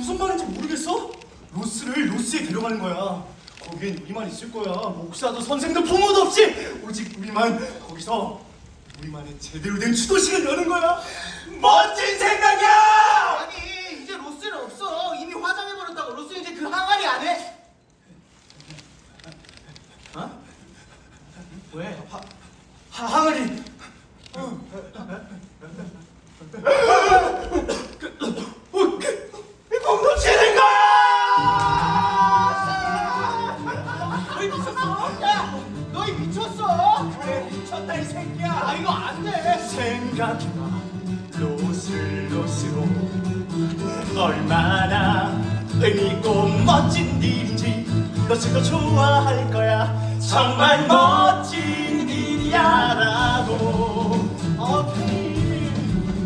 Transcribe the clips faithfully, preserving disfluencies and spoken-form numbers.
무슨 말인지 모르겠어? 로스를 로스에 데려가는 거야. 거기엔 우리만 있을 거야. 목사도 선생도 부모도 없이 오직 우리만. 거기서 우리만의 제대로 된 추도식을 여는 거야. 멋진 생각이야! 아니 이제 로스는 없어. 이미 화장해버렸다고. 로스 이제 그 항아리 안 해. 어? 왜? 하, 하, 항아리. 어. 뭉치는 거야! 너희 미쳤어? 야! 너희 미쳤어? 그래, 미쳤다 이 새끼야. 아 이거 안 돼. 생각해봐. 로스 로스로 얼마나 의미있고 멋진 일인지 로스도 좋아할 거야. 정말 멋진 일이야라고. 오케이.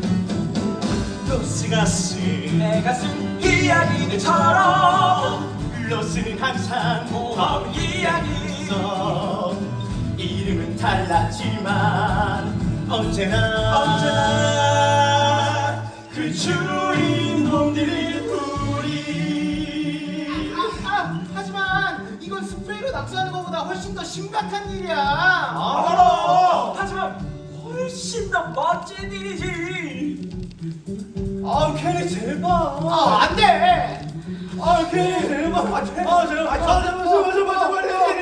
로스가 쓴 내가 쓴 이야기들처럼 로스는 항상 고마운 이야기. 있어. 이름은 달랐지만 언제나 언제나 그 주인공들이 우리. 아, 아, 하지만 이건 스프레이로 낙서하는 것보다 훨씬 더 심각한 일이야. 알아. 하지만 훨씬 더 멋진 일이지. 아 케니 제발. 아, 안 돼. 아 케니 제발. 아 제발. 아 제발. 아 제발 제발 제발 제발.